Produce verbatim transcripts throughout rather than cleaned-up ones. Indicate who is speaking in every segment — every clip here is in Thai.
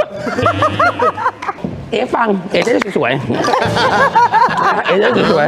Speaker 1: เอ๋ฟังเอ๋จะได้สวยๆเอ๋จะได้สวย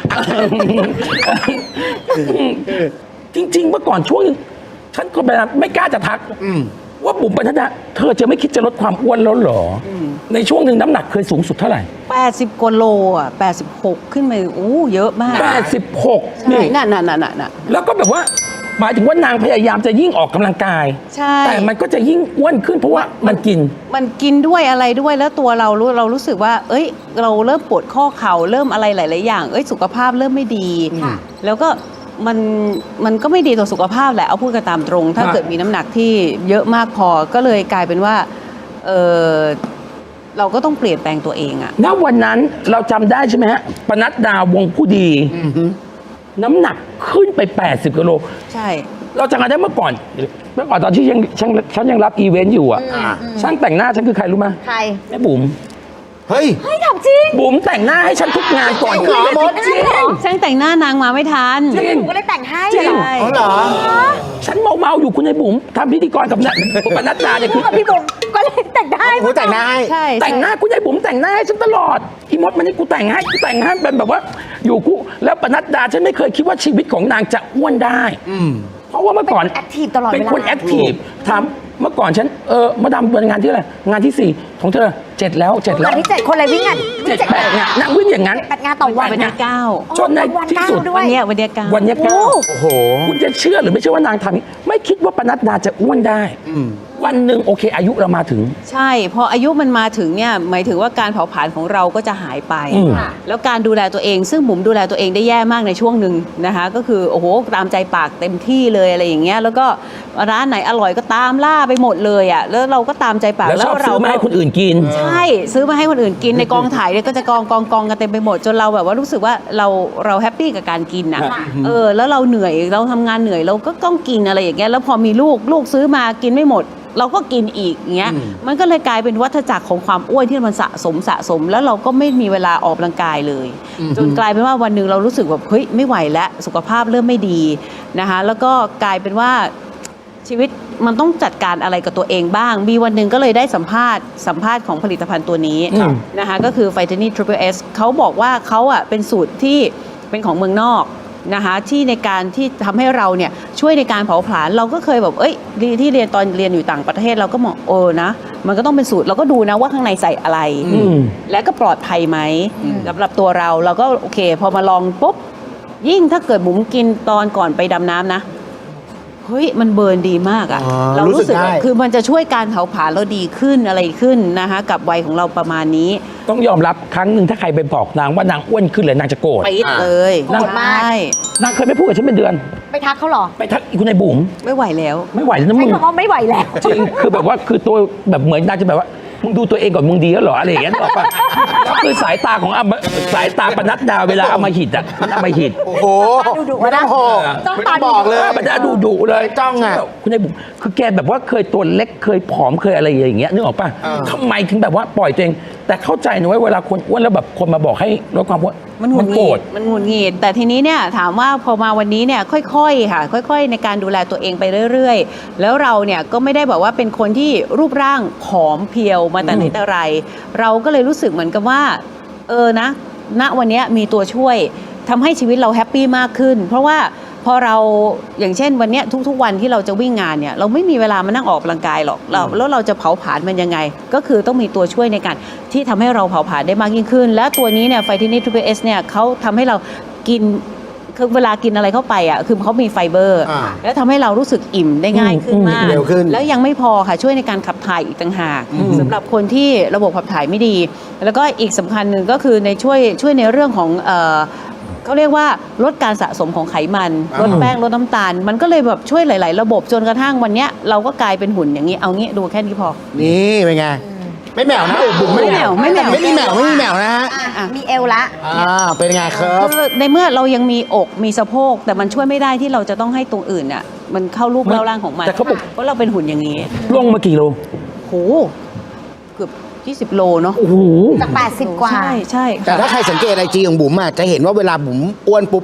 Speaker 1: ๆจริงๆเมื่อก่อนช่วงนึงฉันก็แบบไม่กล้าจะทักว่าบุ๋มปนัดดาเธอจะไม่คิดจะลดความอ้วนแล้วเหรอในช่วงหนึ่งน้ำหนักเคยสูงสุดเท่าไหร่
Speaker 2: แปดสิบกว่าโลอ่ะแปดสิบหกขึ้นไปอู้เยอะมาก
Speaker 1: แปดสิบหก
Speaker 2: นี่น่ะน่ะน่ะน่ะ
Speaker 1: แล้วก็แบบว่าหมายถึงว่านางพยายามจะยิ่งออกกำลังกาย
Speaker 2: ใช่
Speaker 1: แต่มันก็จะยิ่งอ้วนขึ้นเพราะว่ามันกิน
Speaker 2: มันกินด้วยอะไรด้วยแล้วตัวเรารู้เรารู้สึกว่าเอ้ยเราเริ่มปวดข้อเข่าเริ่มอะไรหลายๆอย่างเอ้ยสุขภาพเริ่มไม่ดีแล้วก็มันมันก็ไม่ดีต่อสุขภาพแหละเอาพูดกันตามตรงถ้าเกิดมีน้ำหนักที่เยอะมากพอก็เลยกลายเป็นว่าเออเราก็ต้องเปลี่ยนแปลงตัวเองอะ
Speaker 1: ณวันนั้นเราจำได้ใช่ไหมฮะปนัดดาวงผู้ดีน้ำหนักขึ้นไปแปดสิบกิโล
Speaker 2: ใช่
Speaker 1: เราจำกันได้เมื่อก่อนเมื่อก่อนตอนที่ยังฉันฉันยังรับอีเวนต์อยู่อ่ะช่างแต่งหน้าฉันคือใครรู้ไหม
Speaker 3: ใคร
Speaker 1: แม่บุ๋ม
Speaker 3: เฮ้ยเฮ้ยทำจริง
Speaker 1: บุ๋มแต่งหน้าให้ฉันทุกงานก่อน
Speaker 3: ขึ้นเวที
Speaker 1: จริง
Speaker 2: ช่างแต่งหน้านางมาไม่ทัน
Speaker 3: จริงก็เลยแต่งให้
Speaker 1: จริง
Speaker 3: เหรอ
Speaker 1: ฉันเมาเมาอยู่คุณนายบุ๋มทำพิธีกรกับปนัดดาเนี่ยคือ
Speaker 3: พี่บุ๋มก็เลยแต่งได้
Speaker 1: กูแต่งหน้าให้แต่งหน้าคุณนายบุ๋มแต่งหน้าให้ฉันตลอดอีมดมันนี่กูแต่งให้กูแต่งให้เป็นแบบว่าอยู่กูแล้วปนัดดาฉันไม่เคยคิดว่าชีวิตของนางจะอ้วนได้เพราะว่าเมื่อก่อน
Speaker 3: แอคทีฟตลอดเวลา
Speaker 1: เป็นคนแอคทีฟถามเมื่อก่อนฉันเออมาดามเป็นงานที่อะไรงานที่สี่ของเธอเจ็ดแล้วเจ็ดแล้ว
Speaker 3: งานที่เจ็ดคนอะไรวิ่งอ่ะ
Speaker 1: เจ็ดแปดงานนั่งวิ่งอย่างนั้น
Speaker 3: แปดงานต่อวัน
Speaker 2: วันที่เก้า
Speaker 1: จนในที่สุด
Speaker 2: วันนี้วันนี้เก้า
Speaker 1: วันนี้เก้าโอ้โหคุณจะเชื่อหรือไม่เชื่อว่านางทำไม่คิดว่าปนัดดาจะอ้วนได้วันหนึ่งโอเคอายุเรามาถึง
Speaker 2: ใช่พออายุมันมาถึงเนี่ยหมายถึงว่าการเผาผลาญของเราก็จะหายไปแล้วการดูแลตัวเองซึ่งบุ๋มดูแลตัวเองได้แย่มากในช่วงหนึ่งนะคะก็คือโอ้โหตามใจปากเต็มที่เลยอะไรอย่างเงี้ยแล้วก็ร้านไหนอร่อยก็ตามล่าไปหมดเลยอ่ะแล้วเราก็ตามใจปาก
Speaker 1: แล้วเราซื้อมาให้คนอื่นกิน
Speaker 2: ใช่ซื้อมาให้คนอื่นกินในกองถ่ายเนี่ยก็จะกองกองกองกันเต็มไปหมดจนเราแบบว่ารู้สึกว่าเราเราแฮปปี้กับการกินอ่ะเออแล้วเราเหนื่อยเราทำงานเหนื่อยเราก็ต้องกินอะไรอย่างเงี้ยแล้วพอมีลูกลูกซื้อมากินไม่หมดเราก็กินอีกอย่างเงี้ยมันก็เลยกลายเป็นวัฏจักรของความอ้วนที่มันสะสมสะสมแล้วเราก็ไม่มีเวลาออกกำลังกายเลยจนกลายเป็นว่าวันหนึ่งเรารู้สึกแบบเฮ้ยไม่ไหวแล้วสุขภาพเริ่มไม่ดีนะคะแล้วก็กลายเป็นว่าชีวิตมันต้องจัดการอะไรกับตัวเองบ้างมีวันหนึ่งก็เลยได้สัมภาษณ์สัมภาษณ์ของผลิตภัณฑ์ตัวนี้นะคะก็คือ Vitani Triple S เขาบอกว่าเขาอ่ะเป็นสูตรที่เป็นของเมืองนอกนะคะที่ในการที่ทำให้เราเนี่ยช่วยในการเผาผลาญเราก็เคยแบบเอ้ยที่เรียนตอนเรียนอยู่ต่างประเทศเราก็มองโอ้นะมันก็ต้องเป็นสูตรเราก็ดูนะว่าข้างในใส่อะไรและก็ปลอดภัยไหมสำหรับตัวเราเราก็โอเคพอมาลองปุ๊บยิ่งถ้าเกิดบุ๋มกินตอนก่อนไปดำน้ำนะเฮ้ยมันเบิร์นดีมากอะเรารู้สึกคือมันจะช่วยการเผาผลาญเราดีขึ้นอะไรขึ้นนะคะกับวัยของเราประมาณนี้
Speaker 1: ต้องยอมรับครั้งหนึ่งถ้าใครไปบอกนางว่านางอ้วนขึ้นเลยนางจะโกรธ
Speaker 2: ปิดเลย
Speaker 1: นาง
Speaker 2: มาก
Speaker 1: นางเคยไม่พูดกับฉันเป็นเดือน
Speaker 3: ไปทักเขาหรอ
Speaker 1: ไปทักคุณนายบุ๋ม
Speaker 2: ไม่ไหวแล้ว
Speaker 1: ไม่ไหวแล้วนะมึง
Speaker 3: ใช่คำว่าไม่ไหวแล้ว
Speaker 1: จริงคือแบบว่าคือตัวแบบเหมือนนางจะแบบว่ามึงดูตัวเองก่อนมึงดีแล้วเหรออะไรอย่างเงี้ยบอกป่ะแล้วคือสายตาของสายตาปนัดดาเวลาเอามาหิดอ่ะมันเอามาหิด
Speaker 3: โอ้โหไม่ต้อง
Speaker 1: ต้องตาบอกเลยมันจะดูดุเลยจ้องอ่ะคุณนายบุ๋มคือแกแบบว่าเคยตัวเล็กเคยผอมเคยอะไรอย่างเงี้ยนึกออกป่ะทำไมถึงแบบว่าปล่อยตัวเองแต่เข้าใจนะว่าเวลาคนอ้วนแล้วแบบคนมาบอกให้ลดความอ้วน
Speaker 2: มันหงุดหงิดมันหงุดหงิดแต่ทีนี้เนี่ยถามว่าพอมาวันนี้เนี่ยค่อยๆค่ะค่อยๆในการดูแลตัวเองไปเรื่อยๆแล้วเราเนี่ยก็ไม่ได้แบบว่าเป็นคนที่รูปร่างผอมเพรียวมาแต่ไหนแต่ไรเราก็เลยรู้สึกเหมือนกับว่าเออนะณวันนี้มีตัวช่วยทำให้ชีวิตเราแฮปปี้มากขึ้นเพราะว่าพอเราอย่างเช่นวันนี้ทุกๆวันที่เราจะวิ่งงานเนี่ยเราไม่มีเวลามานั่งออกกำลังกายหรอกเราแล้วเราจะเผาผลาญมันยังไงก็คือต้องมีตัวช่วยในการที่ทำให้เราเผาผลาญได้มากยิ่งขึ้นและตัวนี้เนี่ยไฟทินิ Triple S เนี่ยเขาทำให้เรากินคือเวลากินอะไรเข้าไปอ่ะคือเขามีไฟเบอร์แล้วทำให้เรารู้สึกอิ่มได้ง่ายขึ้นมากแล้วยังไม่พอค่ะช่วยในการขับถ่ายอีกต่างหากสำหรับคนที่ระบบขับถ่ายไม่ดีแล้วก็อีกสำคัญหนึ่งก็คือในช่วยช่วยในเรื่องของเขาเรียกว่าลดการสะสมของไขมันลดแป้งลดน้ำตาลมันก็เลยแบบช่วยหลายๆระบบจนกระทั่งวันนี้เราก็กลายเป็นหุ่นอย่างนี้เอางี้ดูแค่นี้พอ
Speaker 4: นี่เป็นไงไม่แหมวนะบุ๋ม
Speaker 2: ไม่แหมวไม่แหมว
Speaker 4: ไม่มีแหมวไม่มีแหมวนะฮะ
Speaker 3: มีเอวละ
Speaker 4: อ่าเป็นไงครับ
Speaker 2: ในเมื่อเรายังมีอกมีสะโพกแต่มันช่วยไม่ได้ที่เราจะต้องให้ตรงอื่นน่ะมันเข้ารูปเล่าร่างของมัน
Speaker 1: แต่เขาบอก
Speaker 2: เพราะเราเป็นหุ่นอย่างนี้
Speaker 1: ลงมากี่โล
Speaker 2: โหเกือบยี่สิบโลเนาะ
Speaker 1: โอ้โห
Speaker 3: จากแปดสิบกว่า
Speaker 2: ใช่ใช่
Speaker 4: แต่ถ้าใครสังเกตไอจีของบุ๋มอ่ะจะเห็นว่าเวลาบุ๋มอ้วนปุ๊บเนี่ย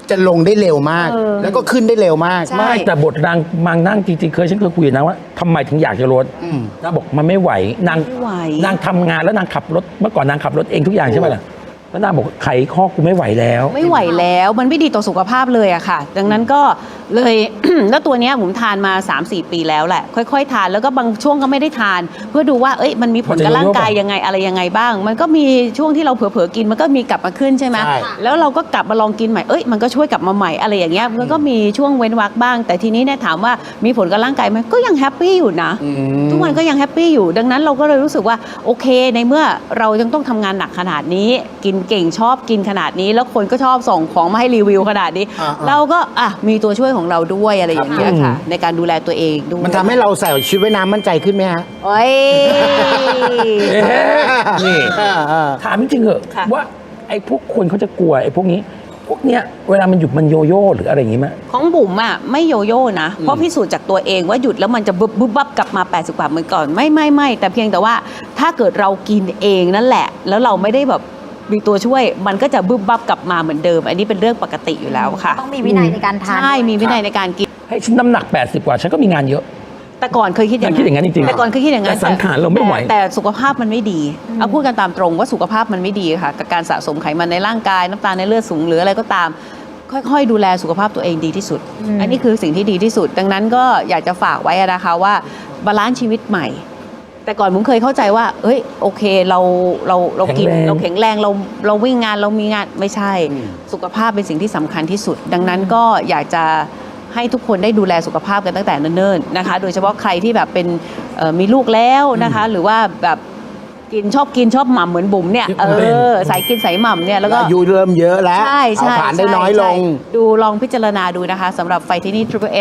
Speaker 4: จะลงได้เร็วมาก
Speaker 2: เออ
Speaker 4: แล้วก็ขึ้นได้เร็วมาก
Speaker 2: ใช่
Speaker 1: ไม่แต่บทนางมังนั่งจริงๆเคยฉันเคยคุยกับนางว่าทำไมถึงอยากจะลดนางบอกมันไม่ไหวนาง
Speaker 2: ไม่ไหว
Speaker 1: นางทำงานแล้วนางขับรถเมื่อก่อนนางขับรถเองทุกอย่างใช่ไหมล่ะแล้วนางบอกไขข้อกูไม่ไหวแล้ว
Speaker 2: ไม่ไหวแล้วมันไม่ดีต่อสุขภาพเลยอะค่ะ ดังนั้นก็เลย แล้วตัวเนี้ยผมทานมา สามสี่ ปีแล้วแหละ ค่อยๆ ทานแล้วก็บางช่วงก็ไม่ได้ทาน เพื่อดูว่าเอ้ยมันมีผลกับร่างกายยังไงอะไรยังไงบ้าง มันก็มีช่วงที่เราเผลอๆกินมันก็มีกลับมาขึ้นใช่ไหม
Speaker 4: ใช่
Speaker 2: แล้วเราก็กลับมาลองกินใหม่เอ้ยมันก็ช่วยกลับมาใหม่อะไรอย่างเงี้ยมันก็มีช่วงเว้นวรรคบ้าง แต่ทีนี้เนี่ยถามว่ามีผลกับร่างกายไหมก็ยังแฮปปี้อยู่นะ ทุกวันก็ยังแฮปปี้อยู่ ดังนั้นเราก็เลยรู้สึกว่าโอเคในเมื่อเรายังต้องทำงานหนักขนาดนี้ กินเก่งชอบกินขนาดนี้ แล้วคนก็ชอบส่งของมาให้รีวิวขนาดนี้
Speaker 4: อ่าๆ
Speaker 2: เราก็อ่ะมีตัวช่วยของเราด้วยอะไรอย่างเงี้ยค่ะ ในการดูแลตัวเองด้วย
Speaker 4: มันทำให้เราใส่ชุดว่ายน้ำมั่นใจขึ้นไหมฮะ
Speaker 2: โอ้ย
Speaker 1: เอ๊ะนี่
Speaker 4: อ่าอ่า
Speaker 1: ถามจริงๆเหอะ
Speaker 2: ค่ะ
Speaker 1: ว่าไอ้พวกคนเขาจะกลัวไอ้พวกนี้ พวกเนี้ยเวลามันหยุดมันโยโย่หรืออะไรอย่างงี้ไหม
Speaker 2: ของบุ๋มอ่ะไม่โยโย่นะ เพราะพิสูจน์จากตัวเองว่าหยุดแล้วมันจะบึบบึบบับกลับมาแปดสิบกว่าเหมือนก่อนไม่ไม่ไม่แต่เพียงแต่ว่าถ้าเกิดเรากินเองนั่นแหละ แล้วเราไม่ได้แบบมีตัวช่วย มันก็จะบึบบับกลับมาเหมือนเดิม อันนี้เป็นเรื่องปกติอยู่แล้วค่ะ
Speaker 3: ต้องมีวินัยในการทาน
Speaker 2: ใช่มีวินัยในการกิน
Speaker 1: ให้ฉันน้ำหนักแปดสิบกว่าฉันก็มีงานเยอะ
Speaker 2: แต่ก่อนเคยคิดอย่าง
Speaker 1: คิดอย่างนั้นจริงๆ
Speaker 2: แต่ก่อนเคยคิดอย่างนั้น
Speaker 1: แต่สังขารเราไม่ไหว
Speaker 2: แต่แต่สุขภาพมันไม่ดีเอาพูดกันตามตรงว่าสุขภาพมันไม่ดีค่ะกับการสะสมไขมันในร่างกายน้ำตาลในเลือดสูงหรืออะไรก็ตาม ค่อยๆ ดูแลสุขภาพตัวเองดีที่สุด อันนี้คือสิ่งที่ดีที่สุด ดังนั้นก็อยากจะฝากไว้นะคะว่าบาลานซ์ชีวิตใหม่ แต่ก่อนผมเคยเข้าใจว่า เอ้ยโอเคเราเราเรากิน
Speaker 1: แข็งแรง
Speaker 2: เราแข็งแรงเราเราวิ่งงานเรามีงานไม่ใช่ สุขภาพเป็นสิ่งที่สำคัญที่สุด ดังนั้นก็อยากจะให้ทุกคนได้ดูแลสุขภาพกันตั้งแต่เนิ่นๆนะคะ โดยเฉพาะใครที่แบบเป็นเอ่อมีลูกแล้วนะคะ หรือว่าแบบกินชอบกินชอบหม่ำเหมือนบุ๋มเนี่ยเออสายกินสายหม่ำเนี่ยแล้วก็
Speaker 4: อายุเริ่มเยอะแล้ว
Speaker 2: ใช่ใช่
Speaker 4: เผาผลาญได้น้อยลง
Speaker 2: ใช่ดูลองพิจารณาดูนะคะสำหรับไฟที่นี่ Triple S